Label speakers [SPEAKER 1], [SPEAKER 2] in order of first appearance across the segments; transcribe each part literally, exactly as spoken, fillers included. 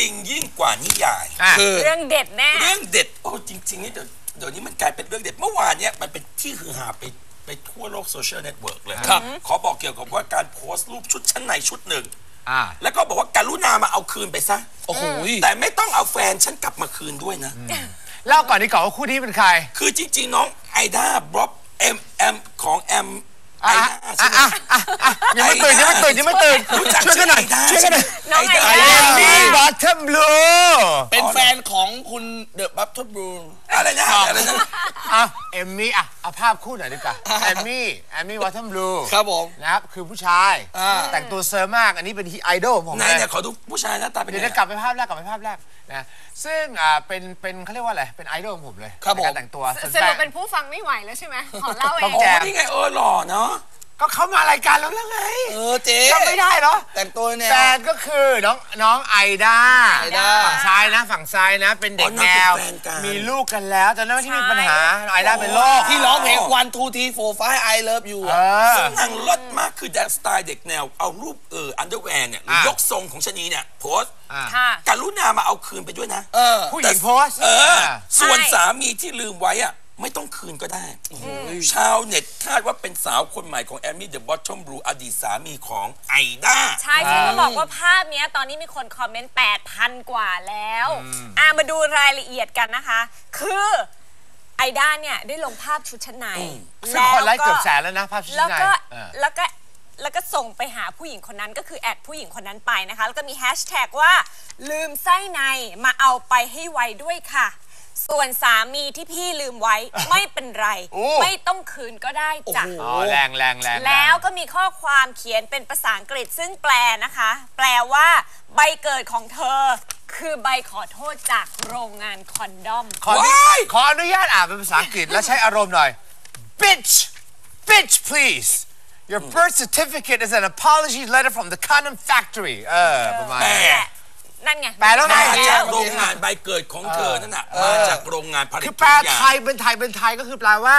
[SPEAKER 1] ริงยิ่งกว่านิยาย
[SPEAKER 2] คือเรื่องเด็ดแน่
[SPEAKER 1] เรื่องเด็ดโอ้จริงๆนี่เดี๋ยวเดี๋ยวนี้มันกลายเป็นเรื่องเด็ดเมื่อวานเนี้ยมันเป็นที่ฮือฮาไปไปทั่วโลกโซเชียลเน็ตเวิร์กเลยขอบอกเกี่ยวกับว่าการโพสต์รูปชุดชั้นในชุดหนึ่งแล้วก็บอกว่าการุณามาเอาคืนไปซะโอ้โหแต่ไม่ต้องเอาแฟนฉันกลับมาคืนด้วยนะ
[SPEAKER 3] เล่าก่อนดีกว่าว่าคู่นี้เป็นใคร
[SPEAKER 1] คือจริงๆน้องไอด้าบล็อบเอ็มเอ็มของแอมไอด้าใช่ไหม
[SPEAKER 3] ยังไม่ตื่นยังไม่ตื่นยังไม่ตื่นช่วยกันหน่อยช่วยกันหน่อย
[SPEAKER 2] น้องไอด้า
[SPEAKER 3] มีบัตเทิลบลู
[SPEAKER 4] เป็นแฟนของคุณเดอะบัตเทิลบลู
[SPEAKER 1] อะไรนะอะไรนะ
[SPEAKER 3] อ่ะเอมมี่อ่ะเอาภาพคู่หน่อยดีกว่าเอมมี่เอมมี่บัตเทิลบลู
[SPEAKER 4] ครับผม
[SPEAKER 3] นะครับคือผู้ชายแต่งตัวเซอร์มากอันนี้เป็นไอดอลผม
[SPEAKER 1] ไหนเนี่ยขอดูผู้ชายหน้าตาเป็นยังไง
[SPEAKER 3] เดี๋ยวกลับไปภาพแรกกลับไปภาพแรกนะซึ่งอ่าเป็นเป็นเขาเรียกว่าอะไรเป็นไอดอลของผมเลยการแต่งตัว
[SPEAKER 2] สรุปเป็นผู้ฟังไม่ไหวแล้วใช่ไหมขอเล่าเอง
[SPEAKER 1] โอ้นี่ไงเออหล่อเนาะ
[SPEAKER 3] ก็เขามารายการแล้วแล้วไง
[SPEAKER 4] เออเจ๊
[SPEAKER 3] จำไม่ได้เหรอ
[SPEAKER 4] แต่งตัวเนี่ย
[SPEAKER 3] แฟนก็คือน้องน้องไอด้าฝั่งซ้ายนะฝั่งซ้ายนะเป็นเด็กแนวมีลูกกันแล้วแต่นั้นที่มีปัญหาไอด้าเป็นโรค
[SPEAKER 4] ที่ร้องเพลง one two three four five I love you
[SPEAKER 1] ซึ่งนางเลิศมากคือแดนสไตล์เด็กแนวเอารูปเอออันเดอร์แวร์เนี่ยยกทรงของชนีเนี่ยโพสการุณามาเอาคืนไปด้วยนะ
[SPEAKER 3] ผู้หญิงโพส
[SPEAKER 1] ส่วนสามีที่ลืมไว้อะไม่ต้องคืนก็ได้ชาวเน็ตคาดว่าเป็นสาวคนใหม่ของแอมมี่เดอะบอททอมบลูอดีตสามีของไอด้า
[SPEAKER 2] ใช่ที่เขาบอกว่าภาพนี้ตอนนี้มีคนคอมเมนต์ แปดพัน กว่าแล้วอ่ามาดูรายละเอียดกันนะคะคือไอด้าเนี่ยได้ลงภาพชุดชั้นใน
[SPEAKER 3] ซึ่งคนไลค์เกือบแสนแล้วนะภาพชุดชั้นใน
[SPEAKER 2] แล้วก็แล้วก็ส่งไปหาผู้หญิงคนนั้นก็คือแอดผู้หญิงคนนั้นไปนะคะแล้วก็มีแฮชแท็กว่าลืมไส้ในมาเอาไปให้ไวด้วยค่ะส่วนสามีที่พี่ลืมไว้ไม่เป็นไรไม่ต้องคืนก็ได้จ้ะ
[SPEAKER 3] อ๋อแรงแรงแรง
[SPEAKER 2] แล้วก็มีข้อความเขียนเป็นภาษาอังกฤษซึ่งแปลนะคะแปลว่าใบเกิดของเธอคือใบขอโทษจากโรงงานคอนดอม
[SPEAKER 3] ขอขออนุญาตอ่านเป็นภาษาอังกฤษและใช้อารมณ์หน่อย bitch bitch please your birth certificate is an apology letter from the condom factory เออประมาณนี้
[SPEAKER 2] นั่นไง
[SPEAKER 3] แปลแล้วไง
[SPEAKER 1] จากโรงงานใบเกิดของเธอนั่นน่ะมาจากโรงงานผลิต
[SPEAKER 3] คือแปลไทยเป็นไทยเป็นไทยก็คือแปลว่า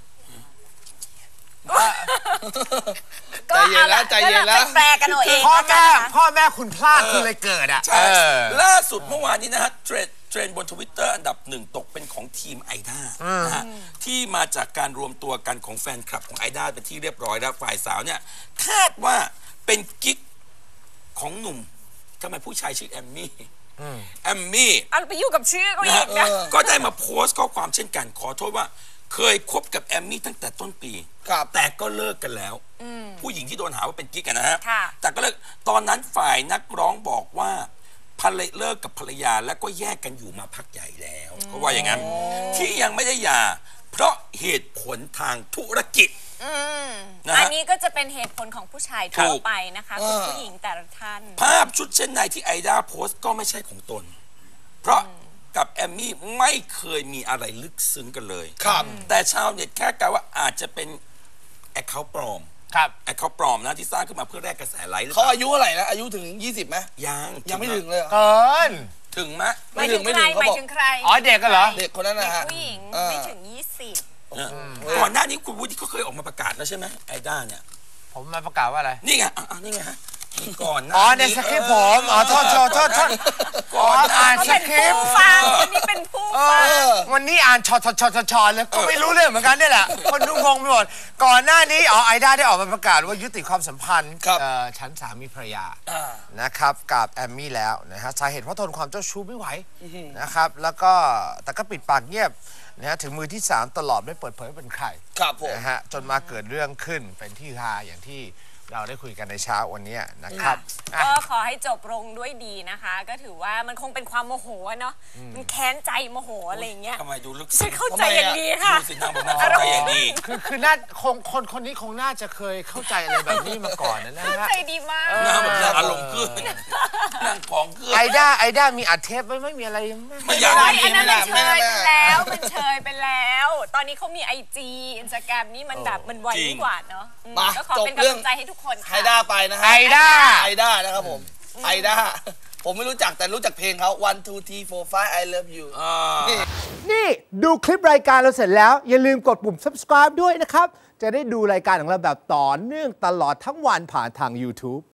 [SPEAKER 4] ใจเย็นแล้วใจเย็นแล้ว
[SPEAKER 2] แปลกันเอาเอง
[SPEAKER 3] พ่อแม่พ่อแม่คุณพลาดคุณเลยเกิดอ่ะ
[SPEAKER 1] ใช่ล่าสุดเมื่อวานนี้นะฮะเทรนเทรนบนทวิตเตอร์อันดับหนึ่งตกเป็นของทีมไอด้านะฮะที่มาจากการรวมตัวกันของแฟนคลับของไอด้าเป็นที่เรียบร้อยแล้วฝ่ายสาวเนี่ยคาดว่าเป็นกิ๊กของหนุ่มทำไมผู้ชายชื่อแอมมี่แอมมี่
[SPEAKER 2] เอาไปยุ่งกับชื่อเขาอีกนะ
[SPEAKER 1] ก็ได้มาโพสต์ข้อความเช่นกันขอโทษว่าเคยคบกับแอมมี่ตั้งแต่ต้นปีแต่ก็เลิกกันแล้วผู้หญิงที่โดนหาว่าเป็นกิ๊กกันนะฮะแต่ก็เลิกตอนนั้นฝ่ายนักร้องบอกว่าภรรยาเลิกกับภรรยาแล้วก็แยกกันอยู่มาพักใหญ่แล้วเขาว่าอย่างนั้นที่ยังไม่ได้หย่าเพราะเหตุผลทางธุรกิจ
[SPEAKER 2] อันนี้ก็จะเป็นเหตุผลของผู้ชายทั่วไปนะคะคุณผู้หญิงแต่ละท่าน
[SPEAKER 1] ภาพชุดเช่นในที่ไอด้าโพสต์ก็ไม่ใช่ของตนเพราะกับแอมมี่ไม่เคยมีอะไรลึกซึ้งกันเลยครับแต่ชาวเน็ตแค่กล่าวว่าอาจจะเป็นแอคเคาท์ปลอม
[SPEAKER 3] ครับ
[SPEAKER 1] แอคเคาท์ปลอมนะที่สร้างขึ้นมาเพื่อแลกกระแสไลค์
[SPEAKER 4] เขาอายุเท่าไหร่นะอายุถึงยี่สิบไหม
[SPEAKER 1] ยัง
[SPEAKER 4] ยังไม่ถึงเลย
[SPEAKER 3] เกิน
[SPEAKER 1] ถึงไหม
[SPEAKER 2] ไม่ถึงไม่ถึงเขาบอก
[SPEAKER 3] อ๋อเด็กกันเหรอ
[SPEAKER 4] เด็กคนนั้นนะฮะ
[SPEAKER 2] ผู้หญิงไม่ถึงยี่สิบ
[SPEAKER 1] ก่อนหน้านี้คุณวุฒิเขาเคยออกมาประกาศแล้วใช่ไหมไอด้าเนี่ย
[SPEAKER 3] ผมมาประกาศว่าอะไร
[SPEAKER 1] นี่ไงอ่ะนี่ไงฮะก่อน
[SPEAKER 3] อ๋อในสคริปต์ผมอ๋อโทษโทษโทษโทษ
[SPEAKER 1] ก่อน
[SPEAKER 3] อ่านสคริปต์
[SPEAKER 2] ฟังวันนี้เป็นผู้ฟัง
[SPEAKER 3] วันนี้อ่านชอชอชอชอเลยก็ไม่รู้เรื่องเหมือนกันนี่แหละคนดูงงไปหมดก่อนหน้านี้อ๋อไอด้าได้ออกมาประกาศว่ายุติความสัมพันธ์ฉันสามีภรรยานะครับกับแอมมี่แล้วนะฮะสาเหตุเพราะทนความเจ้าชู้ไม่ไหวนะครับแล้วก็แต่ก็ปิดปากเงียบนะฮะถึงมือที่สามตลอดไม่เปิดเผยเป็นใครนะฮะจนมาเกิดเรื่องขึ้นเป็นที่ฮาอย่างที่เราได้คุยกันในเช้าวันนี้นะครับ
[SPEAKER 2] ก็ขอให้จบลงด้วยดีนะคะก็ถือว่ามันคงเป็นความโมโหเนาะมันแค้นใจโมโหอะไรอย่างเงี้ย
[SPEAKER 1] ทำไมดูลึก
[SPEAKER 2] ซึ้งเข้าใจอย่างดีค่ะ
[SPEAKER 1] ดูสินางบอกว่าเข้าใจอย่างดี
[SPEAKER 3] คือคือน่าคงคนคนนี้คงน่าจะเคยเข้าใจอะไรแบบนี้มาก่อนนะฮะ
[SPEAKER 2] เข้าใจดีมาก
[SPEAKER 1] นางแบบอารมณ์ขึ้นนางของขึ้น
[SPEAKER 3] ไอด้าไอด้ามีอัดเทปไม่ไม่มีอะไร
[SPEAKER 1] ไม่อยาก
[SPEAKER 2] อันนั้นมันเชยไปแล้วมันเชยไปแล้วตอนนี้เขามีไอจีอินสตาแกรมนี่มันแบบมันไวกว่าเนาะก็ขอเป็นกำลังใจให้ทุกคน
[SPEAKER 4] ไอด้าไปนะฮะ
[SPEAKER 3] ไอด้า
[SPEAKER 4] ไอด้านะครับผมไอด้าผมไม่รู้จักแต่รู้จักเพลงเขา one two three four five I love you
[SPEAKER 3] นี่ดูคลิปรายการเราเสร็จแล้วอย่าลืมกดปุ่ม subscribe ด้วยนะครับจะได้ดูรายการของเราแบบต่อเนื่องตลอดทั้งวันผ่านทาง YouTube